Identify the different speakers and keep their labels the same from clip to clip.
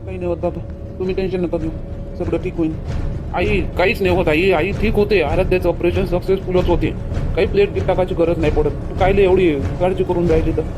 Speaker 1: काही नाही होत बाबा, तुम्ही टेन्शन नका घेऊ, सगळं ठीक होईल. आई काहीच नाही होत, आई आई ठीक होते. आराध्याचं ऑपरेशन सक्सेसफुलच होते. काही प्लेट गिट टाकायची गरज नाही पडत. तू कायले एवढी काळजी करून राहिली तर?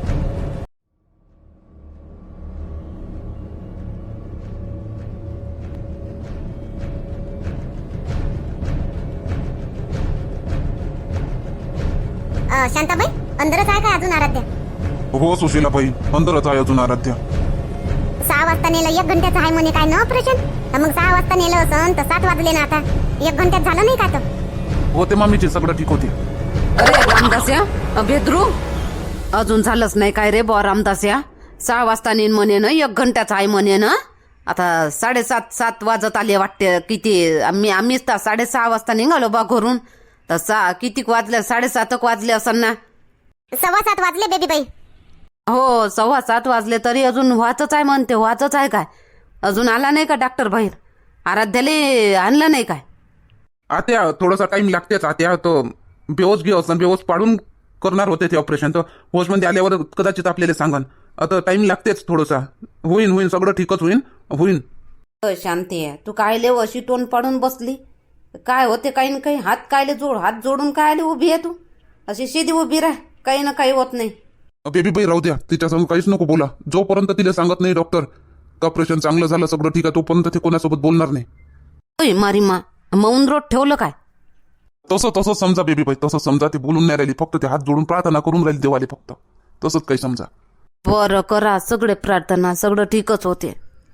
Speaker 2: शांताबाई, अंदरच आहे का अजून आराध्या?
Speaker 3: हो सुशीलाबाई, अंदरच आहे अजून आराध्या.
Speaker 2: 6 वाजता नेलं, 1 घंट्याचं आहे म्हणे काय ना ऑपरेशन. मग 6 वाजता नेलं असं तर 7 वाजले ना, आता 1 घंट्यात झालं नाही का? तर
Speaker 3: होते मामीची, सगळं ठीक होते.
Speaker 4: अरे रामदास्या बेदरू, अजून झालंच नाही काय रे बॉ रामदास्या? 6 वाजता नेन म्हणे ना, 1 घंट्याचा आहे म्हणे ना. आता 7:30 वाजत आले वाटते. किती आम्हीच तर 6:30 वाजता निघालो बा घरून. तर किती वाजले? 7:30 वाजले असं ना.
Speaker 2: 7:15 वाजले बेबी बाई.
Speaker 4: हो 7:15 वाजले तरी अजून व्हाचच आहे म्हणते. व्हाचच आहे काय? अजून आला नाही का डॉक्टर बाहेर? आराध्याले आणलं नाही काय?
Speaker 3: आत्या थोडासा टाइम लागतेच आत्या. तो बेहोश घे असं, बेहोश पाडून करणार होते ते ऑपरेशन. तर होशमध्ये आल्यावर कदाचित आपल्याला सांगन. आता टाइम लागतेच थोडासा. होईन सगळं ठीकच होईन.
Speaker 4: शांती आहे, तू कायले अशी टोन पाडून बसली? काय होते काही ना काही? हात कायले जोड, हात जोडून कायले उभी आहे तू? अशी सीधी उभी राह, काही ना काही होत नाही.
Speaker 3: बेबी बाई राहू द्या, तिच्यासमोर काहीच नको बोला. जोपर्यंत तिला सांगत नाही डॉक्टर ऑपरेशन चांगलं झालं, सगळं ठीक आहे, तोपर्यंत ते कोणासोबत बोलणार नाही.
Speaker 4: ओय मारी मा, मौन रोड ठेवलं काय?
Speaker 3: तसं समजा बेबी बाई, तसं समजा. ते बोलून नाही राहिली, फक्त ते हात जोडून प्रार्थना करून राहिली देवाले, फक्त तसंच काही समजा.
Speaker 4: बरं करा सगळे प्रार्थना, सगळं ठीकच होते.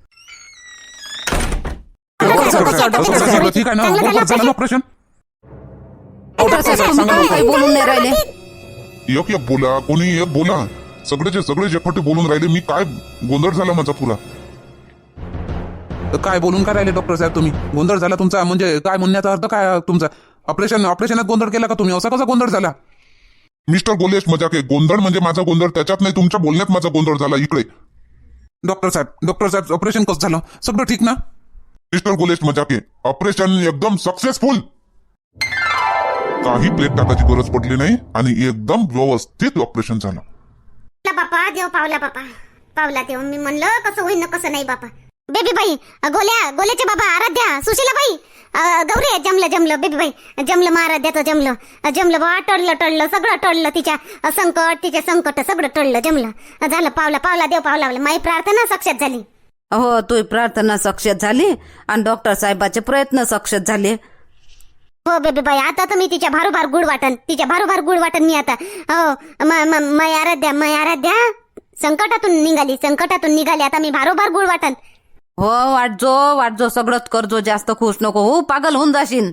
Speaker 3: सगळं ठीक आहे ना? बरोबर झालं ना ऑपरेशन?
Speaker 4: काही बोलून नाही राहिले.
Speaker 5: एक बोला, कोणी एक बोला. सगळे एकटे बोलून राहिले. मी काय गोंधळ झाला माझा पुरा.
Speaker 3: काय बोलून काय राहिले डॉक्टर साहेब तुम्ही? गोंधळ झाला तुमचा म्हणजे काय? म्हणण्याचा अर्थ काय तुमचा? ऑपरेशनात गोंधळ केला का तुम्ही? असा कसा गोंधळ झाला?
Speaker 5: मिस्टर गोलेश मजाक आहे. गोंधळ म्हणजे माझा गोंधळ त्याच्यात नाही, तुमच्या बोलण्यात माझा गोंधळ झाला. इकडे
Speaker 3: डॉक्टर साहेब ऑपरेशन कसं झालं? सगळं ठीक ना?
Speaker 5: मिस्टर गोलेश मजाक आहे. ऑपरेशन एकदम सक्सेसफुल. काही प्लेट टाकायची गरज पडली नाही आणि एकदम व्यवस्थित ऑपरेशन झालं.
Speaker 2: बापा देव पावला, बापा पावला देव. मी म्हणलं कसं होईन ना कसं नाही बापा. बेबी बाई, गोल्याचे बाबा, आराध्या, सुशीला बाई, गौरी, जमलं बेबी बाई, जमलं. महाराध्याचं जमलं बा. टळलं सगळं टळलं. तिचे संकट सगळं टळलं, जमलं झालं. पावला देव पावला. माझी प्रार्थना सक्सेस झाली.
Speaker 4: हो, तुझी प्रार्थना सक्सेस झाली आणि डॉक्टर साहेबाचे प्रयत्न सक्सेस झाले.
Speaker 2: हो बेबी बाई, आता तर मी तिच्या भारोभार गुड वाटन मी आता. हो मै आराध्या संकटातून निघाली आता मी भारोभार गुड वाटन.
Speaker 4: हो वाटजो सगळंच करजो. जास्त खुश नको हो, पागल होऊन जाशील.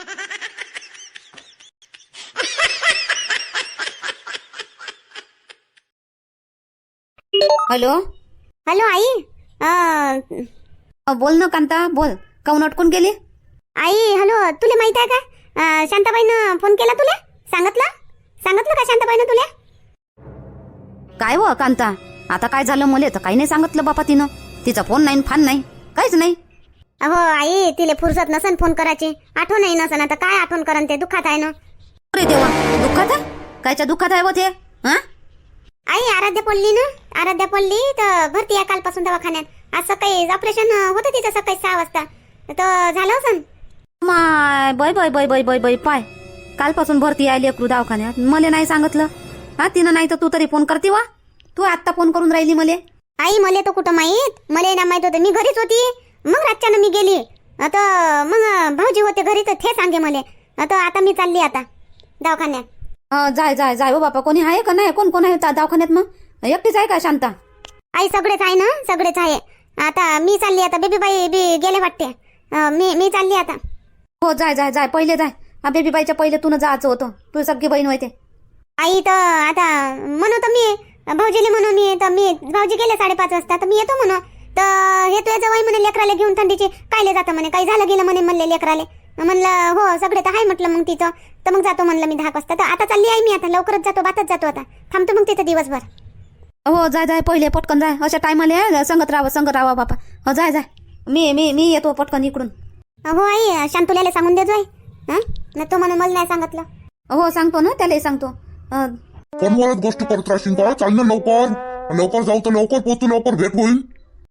Speaker 4: हॅलो
Speaker 2: आई.
Speaker 4: बोल ना कांता, बोल. काऊन अटकून गेली?
Speaker 2: आई हॅलो, तुला माहित आहे का शांताबाईनं फोन केला तुला? सांगितलं का शांताबाईनं तुला?
Speaker 4: काय हो कांता, आता काय झालं? मला तर काही नाही सांगितलं बापा तिनं. तिचा फोन नाही, फान नाही, काहीच नाही.
Speaker 2: अहो आई, तिले फुरसत नसन फोन करायची, आठवण नाही नसन. आता काय आठवण करन? ते दुःखात आहे ना.
Speaker 4: अरे देवा, दुःखात आहे? कायच्या दुःखात आहे व ते?
Speaker 2: आई आराध्या पडली तर भरती आहे कालपासून दवाखान्यात. आज सकाळी ऑपरेशन होतं तिचं, सकाळी 6 वाजता तर झालं असन.
Speaker 4: माय बाय पाय, कालपासून भरती आहे लेकरू दवाखान्यात. मला नाही सांगितलं. तिनं नाही तर तू तरी फोन करते वा. तू आत्ता फोन करून राहिली मले.
Speaker 2: आई मला तर कुठं माहित, मला ना माहित होतं. मी घरीच होती. मग रातच्यानं मी गेली. आता मग भाऊजी होते घरी तर ते सांगे मला. आता मी चालली आता दवाखान्यात.
Speaker 4: जाय हो बापा. कोणी आहे का नाही? कोण आहे दवाखान्यात? मग एकटीच आहे का शांता?
Speaker 2: आई सगळेच आहे ना, सगळेच आहे. आता मी चालली. आता बेबी बाई बी गेले वाटते. मी चालली आता.
Speaker 4: हो जाय पहिले जाय. बेबी बाईच्या पहिले तुला जायचं होतं. तू सगळी बहीण होते.
Speaker 2: आई तर आता म्हणू तर मी भाऊजीले म्हणू मी भाऊजी गेले 5:30 वाजता तर मी येतो म्हणू. तर हे तुझ्या जवळ म्हणे लेकराला घेऊन थंडीची कायले जातं म्हणे, काही झालं गेलं म्हणे म्हणले लेकराले. म्हणलं हो सगळे तर आहे म्हटलं. मग तिथं तर मग जातो म्हणलं मी 10 वाजता. तर आता चालली आहे मी. आता लवकरच जातो, बातच जातो. आता थांबतो मग तिथं दिवसभर.
Speaker 4: हो जाय पहिले पटकन जाय. अशा टायमाला संगत राहा बापा. हो जाय मी येतो पटकन इकडून.
Speaker 2: हो आई, शांतुल्याला सांगून दे जोय. ना तो म्हणून मला नाही सांगितलं.
Speaker 4: हो सांगतो ना, त्यालाही सांगतो.
Speaker 5: फोनवरच गोष्ट करत राहशील का? चाल ना लवकर जाऊ तर लवकर पोहोचू, लवकर भेट होईल.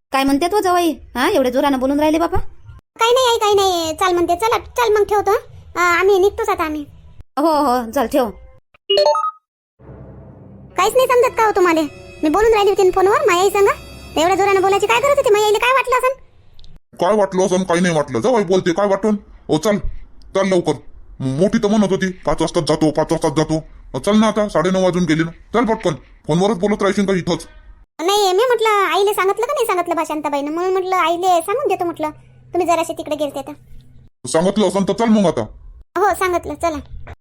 Speaker 4: काय म्हणते तो जवाई? हा, एवढे जोरानं बोलून राहिले बापा.
Speaker 2: काही नाही आई, काही नाही. चाल म्हणते. चला चल मग ठेवतो. आम्ही निघतोच आता आम्ही.
Speaker 4: हो हो, चल ठेव.
Speaker 2: काहीच नाही समजत का हो तुम्हाला? मी बोलून राहिली होती फोनवर मायाई संग. एवढ्या जोरानं बोलायची काय गरज होती? मायाईला काय वाटलं असं?
Speaker 5: काय वाटलं असं काही नाही वाटलं. जाऊ बोलते काय वाटून. ओ चल चल लवकर. मोठी तर म्हणत होती 5 वाजताच जातो 5 वाजताच जातो. चल ना, आता 9:30 वाजून गेले ना. चल पटकन. फोनवरच बोलत राहशील का इथंच?
Speaker 2: नाही, मी म्हटलं आईले सांगितलं का नाही सांगितलं बा शांताबाईनं, म्हणून म्हटलं आईले सांगून देतो म्हटलं. तुम्ही जराशे तिकडे गेलते तर.
Speaker 5: सांगितलं असं तर चल मग आता.
Speaker 2: हो सांगितलं. चला.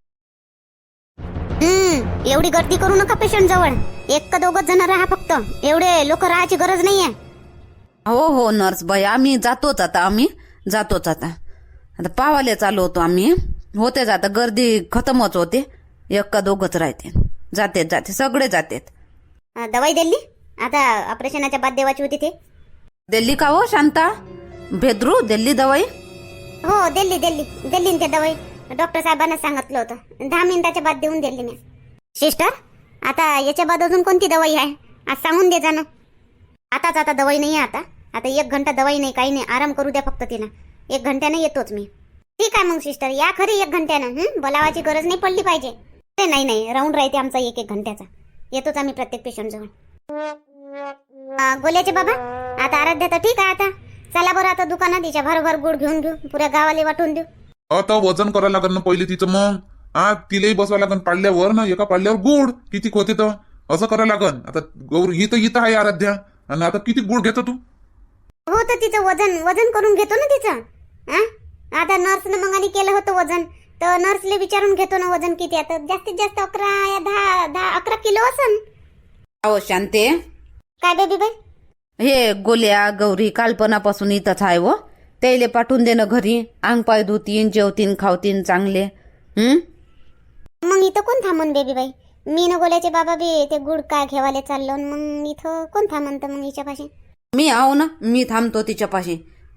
Speaker 2: एवढी गर्दी करू नका पेशंट जवळ. एक का दोघच जण राहा फक्त. एवढे लोक राहायची गरज नाहीये.
Speaker 4: हो हो नर्स बाई, आम्ही जातोच आता. आता पावाले चालू होतो आम्ही. होतेच आता, गर्दी खतमच होते. एक का दोघच राहते. जाते सगळे जातेत.
Speaker 2: दवाई दिली आता ऑपरेशनाच्या बाद देवाची होती ते.
Speaker 4: दिल्ली का हो शांता? भेद्रू दिल्ली दवाई?
Speaker 2: हो दिल्ली ते दवाई. डॉक्टर साहेबांना सांगितलं होतं. 10 मिनिटाच्या बाद देऊन दिली मी. सिस्टर, आता याच्या बाद अजून कोणती दवाई आहे? आज सांगून दे जा ना. आता दवाई नाही आहे. आता 1 घंटा दवाई नाही, काही नाही. आराम करू द्या फक्त तिला. 1 घंट्यानं येतोच मी. ठीक आहे मग सिस्टर, या खरी 1 घंट्यानं. बोलावाची गरज नाही पडली पाहिजे. नाही राऊंड राहते आमचा 1 घंट्याचा. येतोच आम्ही प्रत्येक पेशंट जवळ. गोल्याचे बाबा, आता आराध्या तर ठीक आहे. आता चला बरं, आता दुकानात तिच्या भरभर गुड घेऊन घेऊ. पुऱ्या गावाला वाटून देऊ.
Speaker 3: आता वजन करायला लागेल ना पहिले तिचं. मग तिलाही बसवा लागेल पाडल्यावर ना. एका पाडल्यावर गुड किती होते तर असं करायला लागेल. आता गौरी इथं आहे आराध्या. आणि आता किती गुड घेतो तू?
Speaker 2: हो तर तिचं वजन करून घेतो ना तिचं. आता नर्सनं मग आणि केलं होतं वजन, तर नर्सले विचारून घेतो ना वजन किती. आता जास्तीत जास्त 11 या 10-11 किलो असन.
Speaker 4: हो शांते,
Speaker 2: काय बेबी बाई?
Speaker 4: हे गोल्या गौरी कालपणापासून इथंच आहे व. त्याले पाठवून दे ना घरी. अंग पाय धुतीन, जेवतीन, खावतीन चांगले.
Speaker 2: मग इथं कोण थांबून बेबी बाई? मी न गोल्याचे बाबा बी ते गुड काय घेवाले चाललो. मग इथं कोण थांबन तर मग हिच्यापाशी?
Speaker 4: मी आहो ना, मी थांबतो तिच्यापाशी.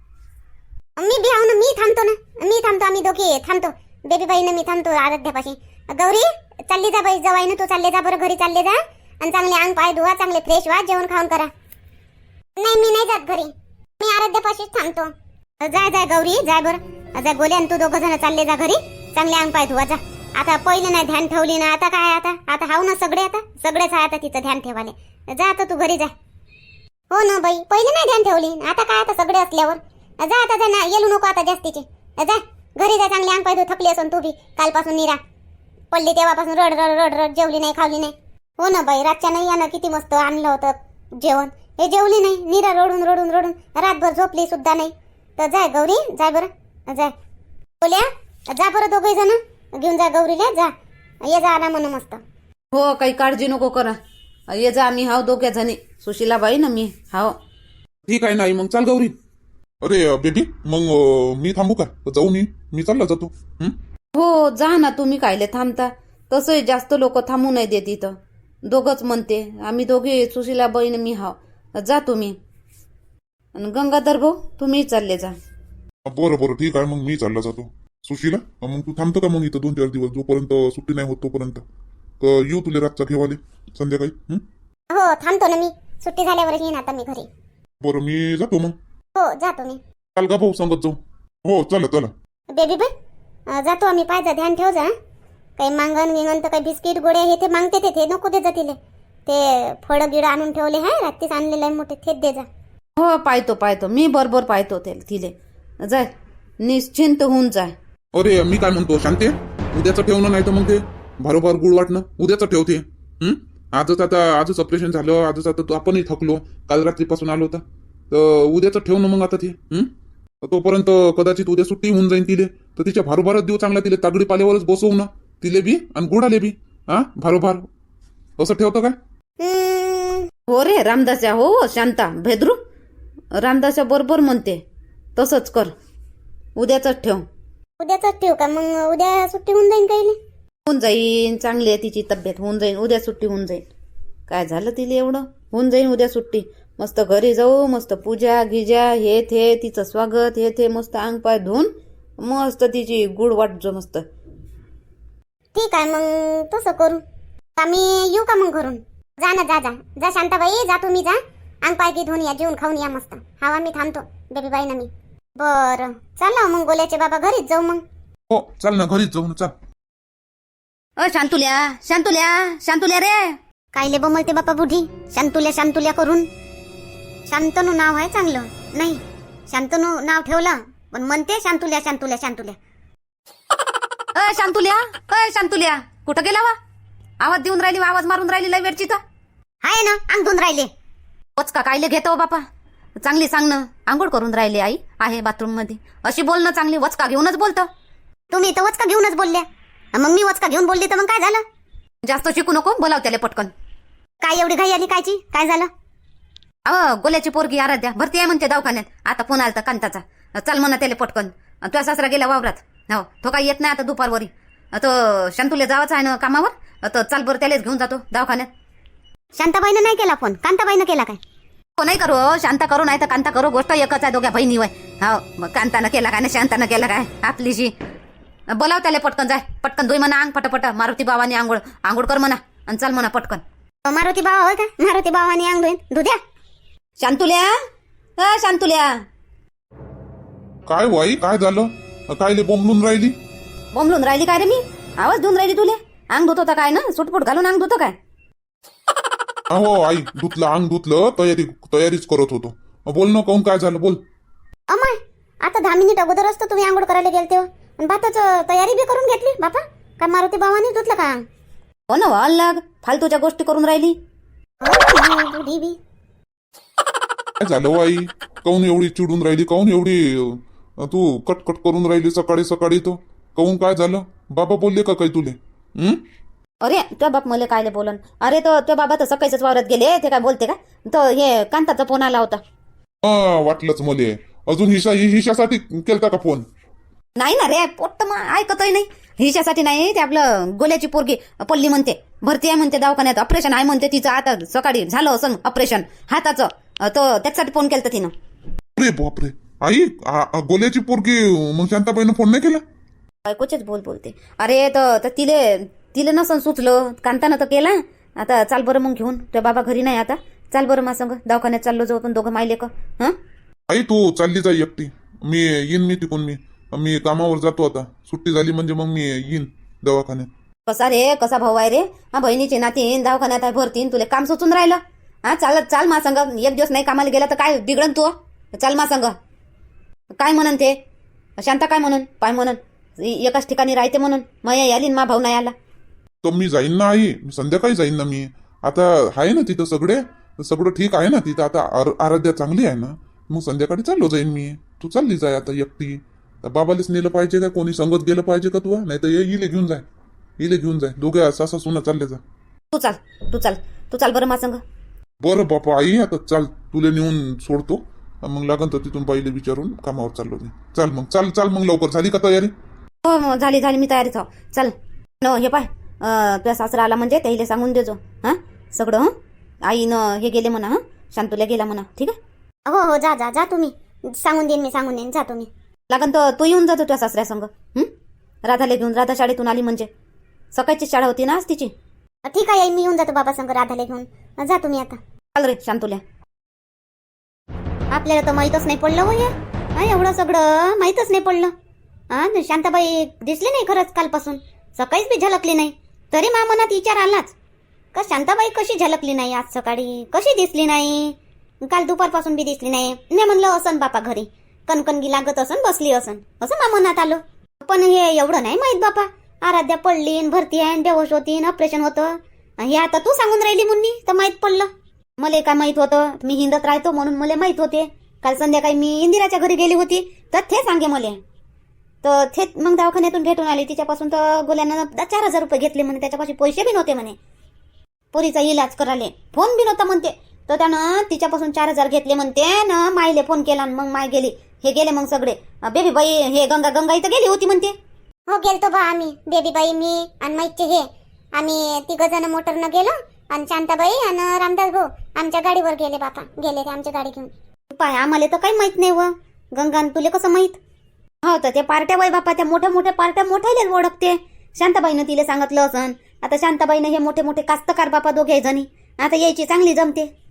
Speaker 2: मी बी आहो ना, मी थांबतो. आम्ही दोघे थांबतो. बेबी बाईनं मी थांबतो आराध्यापाशी. गौरी चालली जा बाई, जवाई ना तू चालले जा बरं, घरी चालले जा. आणि चांगले अंग पाय धुवा, चांगले फ्रेश व्हा, जेवण खाऊन करा. नाही मी नाही जात घरी, मी आराध्यापाशीच थांबतो. जाय गौरी जाय बरं. जा गोल्या आणि तू 2 जण चालले जा घरी. चांगले अंग पाय धुवा जा. आता पहिलं नाही ध्यान ठेवली ना. आता काय आता हाव ना सगळे. आता सगळेच आहे आता तिचं ध्यान ठेवाले. जा आता तू घरी जा. हो ना बाई, पहिले नाही ध्यान ठेवली. आता काय आता सगळे असल्यावर जा. आता जा ना, येलू नको आता जास्तीचे. जा घरी जा, चांगले अंग पाय धु. थकली असून तू बी कालपासून निरा पडली तेव्हापासून रड जेवली नाही, खावली नाही. हो ना बाई, रातच्या नाही यानं किती मस्त आणलं होतं जेवण. हे जेवली नाही, निरा रडून रातभर झोपली सुद्धा नाही. तर जाय गौरी जाय बरं. जाय बोल्या जा बरं, 2 जण घेऊन जा गौरीला. जा ये जा ना म्हण मस्त.
Speaker 4: हो, काही काळजी नको करा. ये जा, आम्ही हाव 2 जणी. सुशीलाबाई ना मी हाव.
Speaker 3: ठीक आहे. नाही मग चाल गौरी.
Speaker 5: अरे बेबी, मग मी थांबू का? जाऊ मी चालला जातो.
Speaker 4: हो जा ना, तुम्ही कायले थांबता? तसंही जास्त लोक थांबू नाही देत इथं. 2च म्हणते आम्ही दोघे, सुशीलाबाई मी हाव. जा तुम्ही. आणि गंगाधर भाऊ तुम्ही चालले जा.
Speaker 5: बरं ठीक आहे. मग मी चालला जातो. सुशीला, मग तू थांबतो का मग इथं 2-4 दिवस, जोपर्यंत सुट्टी नाही होत तोपर्यंत? येऊ तुला रातचा घेवाले संध्याकाळी?
Speaker 2: हो थांबतो ना मी. सुट्टी झाल्यावर येईन आता मी घरी.
Speaker 5: बरं मी जातो मग.
Speaker 2: हो जातो मी.
Speaker 5: चाल का भाऊ, सांगत जाऊ. हो चला.
Speaker 2: बेबी बाई जातो आम्ही. पाहिजे ध्यान ठेव जा. काही मागण विंगण तर काही बिस्किट गोळ्या हे ते मागते ते नको दे जा तिले. ते फळं गिळं आणून ठेवले आहे रात्रीच आणलेलं आहे मोठे, थेट दे जा.
Speaker 4: हो पाहतो मी बरोबर पाहतो तिले. जाय निश्चिंत होऊन जाय.
Speaker 3: अरे मी काय म्हणतो शांते, उद्याचं ठेवणं नाही तर मग ते भारोभार गुळ वाटणं उद्याचं ठेवते. आजच ऑपरेशन झालं. आजच आता तू आपणही थकलो. काल रात्रीपासून आलो होता. तर उद्याचं ठेवणं मग आता ते. तोपर्यंत कदाचित उद्या सुट्टी होऊन जाईन तिले. तर तिच्या भारोभारच देऊ चांगला. तिले तागडी पाल्यावरच बसवू ना तिले बी आणि गुडाले बी. भारोभार असं ठेवतो काय?
Speaker 4: हो रे रामदास्या. हो शांता भेद्रू रामदास्या बरोबर म्हणते. तसंच कर. उद्याच ठेव.
Speaker 2: उद्याच ठेवू का मग? उद्या सुट्टी होऊन जाईन काही?
Speaker 4: होऊन जाईन. चांगली आहे तिची तब्येत. होऊन जाईन उद्या सुट्टी होऊन जाईन. काय झालं तिला एवढं? होऊन जाईन उद्या सुट्टी. मस्त घरी जाऊ, मस्त पूजा गिजा हे थे तिचं स्वागत हे थे मस्त अंग पाय धुवून मस्त तिची गुड वाटजो मस्त.
Speaker 2: ठीक आहे मग तसं करू. आम्ही येऊ का मग घरून? जा ना जा शांताबाई जा, तुम्ही जा. अंग पाय की धुवून या, जेवून खाऊन या मस्त. हवा मी थांबतो बेबी बाई ना मी. बरं चला मग गोल्याचे बाबा घरीच जाऊ मग.
Speaker 5: हो चल ना, घरीच जाऊ ना, चल.
Speaker 4: शांतुल्या शांतुल्या शांतुल्या रे.
Speaker 2: कायले बोलते बापा बुढी शांतुल्या शांतुल्या करून. शांतनू नाव आहे चांगलं, नाही शांतनू नाव ठेवलं पण म्हणते शांतुल्या शांतुल्या शांतुल्या.
Speaker 4: शांतुल्या कुठं गेला वा? आवाज देऊन राहिली, आवाज मारून राहिली लय वेळची तर.
Speaker 2: हाय ना अंग धुवून राहिले.
Speaker 4: वचका कायले घेतो बापा? चांगली सांग ना. आंघोळ करून राहिली आई आहे बाथरूम मध्ये, अशी बोल ना चांगली. वचका घेऊनच बोलतो.
Speaker 2: तुम्ही तर वचका घेऊनच बोलल्या, मग मी वचका घेऊन बोलली तर मग काय झालं?
Speaker 4: जास्त शिकू नको, बोलाव त्याला पटकन.
Speaker 2: काय एवढी घाई आली कायची? काय झालं?
Speaker 4: गोल्याची पोरगी आराध्या भरती आहे म्हणते दवाखान्यात. आता फोन आलता कांताचा, चल म्हणा त्याला पटकन. तुझा सासरा गेला वावरात. हो तो काही येत नाही आता दुपारवरी. तो शांतुले जावाच आहे ना कामावर, तर चाल बरं त्यालाच घेऊन जातो दवाखान्यात.
Speaker 2: शांताबाईनं नाही केला फोन, कांताबाईनं केला काय?
Speaker 4: हो नाही करू, शांता करू नाही तर कांता करू, गोष्ट एकच आहे दोघ्या बहिणी वय. हो मग कांतानं केला काय ना शांतानं केला काय आपलीशी. बोलाव त्याला पटकन, जाय पटकन धुई म्हणा अंग पटपट. मारुती बाबाने आंघोळ कर म्हणा आणि चल म्हणा पटकन.
Speaker 2: मारुती बाबा होय का? मारुती बाबाने अंग धुईन धुद्या.
Speaker 4: शांतुल्या
Speaker 5: काय वाई, काय झालं? कायले बोंबलून राहिली?
Speaker 4: बोंबलून राहिली काय रे मी? आवाज देऊन राहिली तुले? अंग धुत होता काय ना? सुटपुट घालून अंग धुतो काय?
Speaker 5: हो आई, धुतलं अंग धुतलं, तयारीच करत होतो. बोल ना, काहून काय झालं बोल.
Speaker 2: अमाय आता 10 मिनिट अगोदर असतो तुम्ही आंघोळ करायला गेलते आणि भाताच तयारी बी करून घेतली बापा. का मारुती बाबाने धुतलं का?
Speaker 4: हो ना वाल लाग, फालतूच्या गोष्टी करून राहिली.
Speaker 2: बुढी बी.
Speaker 5: काय झालं आई? काहून एवढी चिडून राहिली? काहून एवढी तू कटकट करून राहिली सकाळी सकाळी? तो काहून काय झालं? बाबा बोलले का काही तुले?
Speaker 4: अरे तुझ्या बाप मला कायले बोलन? अरे तो तुझ्या बाबा तर सकाळीच वावरात गेले, ते काय बोलते का? तो हे कांताचा फोन आला होता.
Speaker 5: वाटलंच मले. अजून हिशासाठी केलता का फोन?
Speaker 4: नाही ना रे, पोट्ट मग ऐकतही नाही. हिच्यासाठी नाही, ते आपलं गोल्याची पोरगी पल्ली म्हणते भरती आहे म्हणते दवाखान्यात, ऑपरेशन आहे म्हणते तिचं. आता सकाळी झालं असं ऑपरेशन हाताचं, तो त्याच्यासाठी फोन केलता तिनं.
Speaker 5: अरे बापरे आई, गोल्याची पोरगी मग शांताबाईनं फोन नाही केला?
Speaker 4: बायकोचेच बोलते. अरे तर तिले नसन सुचलं, कांतानं तर केला. आता चाल बरं मग घेऊन, तुझ्या बाबा घरी नाही आता. चाल बरं मा संग दवाखान्यात चाललो जाऊ आपण दोघं मायले का.
Speaker 5: आई तू चालली जा एकटी, मी येईन. मी तिकून मी कामावर जातो आता. सुट्टी झाली म्हणजे मग मी येईन दवाखान्यात.
Speaker 4: कसा रे, कसा भाऊ आहे रे? बहिणीची नातीन दवाखान्यात आहे भरतीन, तुला काम सुचून राहिलं. चाल मा संग. एक दिवस नाही कामाला गेला तर काय बिघडन तू? चाल मा संग. काय म्हणन ते शांता, काय म्हणून पाय म्हणून एकाच ठिकाणी राहते म्हणून मया आली मा भाऊ नाही आला
Speaker 5: तर मी जाईन ना आई, संध्याकाळी जाईन ना मी. आता आहे ना तिथं सगळं ठीक आहे ना तिथं. आता आराध्या चांगली आहे ना, मग संध्याकाळी चाललो जाईन मी. तू चालली जाय आता एकटी. बाबालाच नेलं पाहिजे का? कोणी संगत गेलं पाहिजे का? तू नाही तर इले घेऊन जाय. दोघ्या सासा सुना चालले जा.
Speaker 4: तू चाल बरं मा संग.
Speaker 5: बरं बापा आई, आता चाल, तुला नेऊन सोडतो. मग लागन तर तिथून पहिले विचारून कामावर चाललो मी. चाल मग लवकर. झाली का तयारी?
Speaker 4: हो झाली मी तयारीच हो. चल न हे पाय, तुझ्या सासरा आला म्हणजे त्याला सांगून देजो सगळं. आईनं हे गेले म्हणा, शांतुल्या गेला म्हणा. ठीक आहे?
Speaker 2: हो जा तुम्ही. सांगून देईन जा तुम्ही.
Speaker 4: लागन तर तू येऊन जातो तुझ्या सासऱ्या संग. राधाला घेऊन. राधा शाळेतून आली म्हणजे सकाळची शाळा होती ना आज तिची.
Speaker 2: ठीक आहे मी येऊन जातो बाबा संग राधाला घेऊन. जा तुम्ही आता.
Speaker 4: चाल रे शांतुल्या.
Speaker 2: आपल्याला तर माहीतच नाही पडलं हो हे. एवढं सगळं माहीतच नाही पडलं. शांताबाई दिसली नाही खरंच कालपासून. सकाळीच बी झलकली नाही. तरी मा मनात विचार आलाच का शांताबाई कशी झलकली नाही आज सकाळी, कशी दिसली नाही. काल दुपारपासून बी दिसली नाही. मी म्हणलं असन बापा घरी कणकणगी लागत असन, बसली असन, असं मा मनात आलं. पण हे एवढं नाही माहित बापा. आराध्या पडली, भरती आहे, बेहोश होती, ऑपरेशन होतं. हे आता तू सांगून राहिली मुन्नी तर माहित पडलं. मला काय माहित होतं? मी हिंदत राहतो म्हणून मला माहित होते. काल संध्याकाळी मी इंदिराच्या घरी गेली होती तर ते सांगे मला. तर ते मग दवाखान्यातून भेटून आली. तिच्यापासून तर गोल्यानं 4,000 रुपये घेतले म्हणे. त्याच्यापाशी पैसे बी नव्हते म्हणे पोरीचा इलाज करायला. फोन बी नव्हता म्हणते. तर त्यानं तिच्यापासून 4,000 घेतले म्हणते ना. मायले फोन केला मग माय गेली. हे गेले मग सगळे. बेबी बाई हे गंगा इथं गेली होती म्हणते. हो गेलतो बा आम्ही, बेबी बाई, मी आणि माईचे हे. आम्ही 3 जण मोटरनं गेलो आणि शांताबाई आणि रामदास भाऊ आमच्या गाडीवर गेले बापा. गेले ते आमच्या गाडी घेऊन.
Speaker 4: पाय आम्हाला तर काही माहित नाही व. गंगा तुले कसं माहित? हो तर ते पार्ट्या बाई बापा, त्या मोठ्या पार्ट्या मोठ्यालेच ओळखते. शांताबाईनं तिला सांगितलं असन. आता शांताबाईनं हे मोठे कास्तकार बापा दोघे जणी. आता यायची चांगली जमते.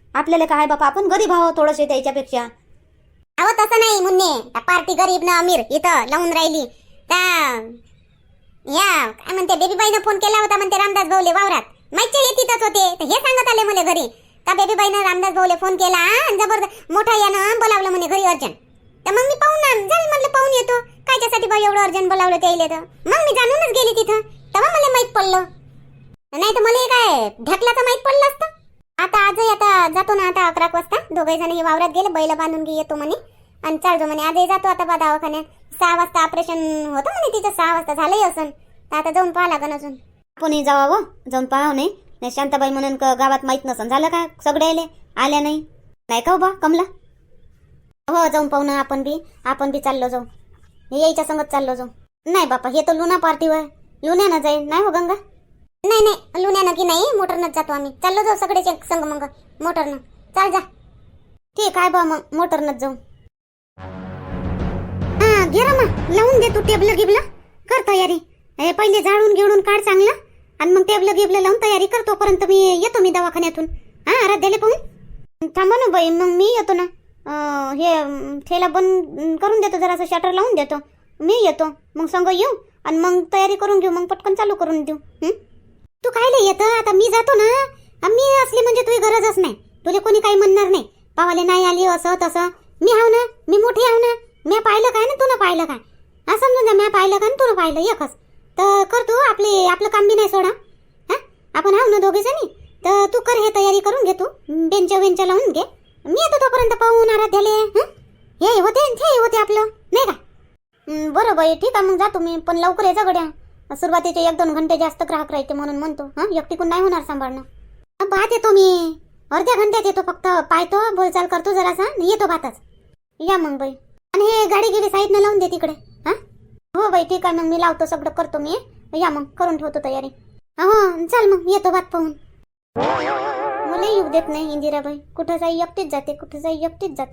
Speaker 2: आपल्याला काय बापा, आपण गरीब आहोत थोडंसे त्याच्यापेक्षा. अहो तसं नाही मुन्ने, त्या पार्टी गरीब ना अमीर इथं लावून राहिली. त्या या काय म्हणते बेबीबाईनं फोन केला होता म्हणते रामदास भाऊले वावरात. माहिती हे तिथंच होते तर हे सांगत आले मला घरी. त्या बेबीबाईनं रामदास भाऊले फोन केला आणि जबरदस्त मोठा यानं बोलावलं म्हणे घरी अर्जंट. तर मग मी पाहून म्हणलं पाहून येतो कायच्यासाठी बाई एवढं अर्जंट बोलावलं त्याला. तर मग मी जाणूनच गेली तिथं, तेव्हा मला माहित पडलं. नाही तर मला हे काय ढकलाचं माहित पडलं असतं. आता जातो ना आता 11 वाजता. दोघे जण हे वावरात गेले, बैल बांधून घे येतो म्हणे आणि चालतो म्हणे. आजही जातो आता बा दवाखान्यात. 6 वाजता ऑपरेशन होतं म्हणे तिचं. 6 वाजता झालंही असन तर आता जाऊन पाहा लागन अजून.
Speaker 6: आपणही जावावं, जाऊन पाहावं. नाही शांताबाई म्हणून गावात माहित नसन झालं का सगळे आल्या नाही का बा कमला.
Speaker 2: हो जाऊन पाहू ना आपण बी चाललो जाऊ. हे यायच्या संगत चाललो जाऊ. नाही बापा हे तर लुना पार्टीवर लुण्यानं जाईल. नाही हो गंगा, नाही लुण्यानं की नाही मोटरनंच जातो आम्ही. चाललो जाऊ सगळेच संग मग मोटरनं. चाल जा. ठीक आहे बा मग मोटरनंच जाऊ. हा घे रमा लावून दे तू टेबल गिबला. कर तयारी. हे पहिले झाडून घेऊन काढ चांगला आणि मग टेबल गिबला लावून तयारी कर. तोपर्यंत मी येतो मी दवाखान्यातून. हा आराध्याला पाहून थांबा ना बाई, मग मी येतो ना. हे ठेला बंद करून देतो, जरासं शटर लावून देतो. मी येतो मग संग येऊ आणि मग तयारी करून घेऊ. मग पटकन चालू करून देऊ. तू कायले येतं आता, मी जातो ना. मी असली म्हणजे तुझी गरजच नाही. तुला कोणी काही म्हणणार नाही. पावाले नाही आली असं तसं. मी हाव ना, मी मोठी हाव ना. मी पाहिलं काय ना तुला पाहिलं काय. हा समजून जा, मी पाहिलं काय ना तुला पाहिलं एकच. तर कर तू आपलं काम बी नाही सोडा. हा आपण हाव ना दोघे जणी. तर तू कर हे तयारी करून घे. तू बेंच लावून घे. मी येतो तोपर्यंत पाहून आराध्याले. हे होते आपलं नाही का. बरं बाई ठीक आहे मग जातो मी. पण लवकर यायचा गड्या. सुरुवातीचे 1-2 घंटे जास्त ग्राहक राहते म्हणून म्हणतो. हा एकटीकून नाही होणार सांभाळणं. पाहत येतो मी. अर्ध्या घंट्यात येतो. फक्त पाहतो बोलचाल करतो जरासा येतो भातच. या मग बाई. आणि हे गाडी गिडी साईडनं लावून दे तिकडे. हा हो बाई ठीक आहे मग मी लावतो सगळं करतो मी. या मग करून ठेवतो तयारी. हो चल मग येतो भात पाहून. मला येऊ देत नाही इंदिराबाई. कुठं जाई एकटीच जाते.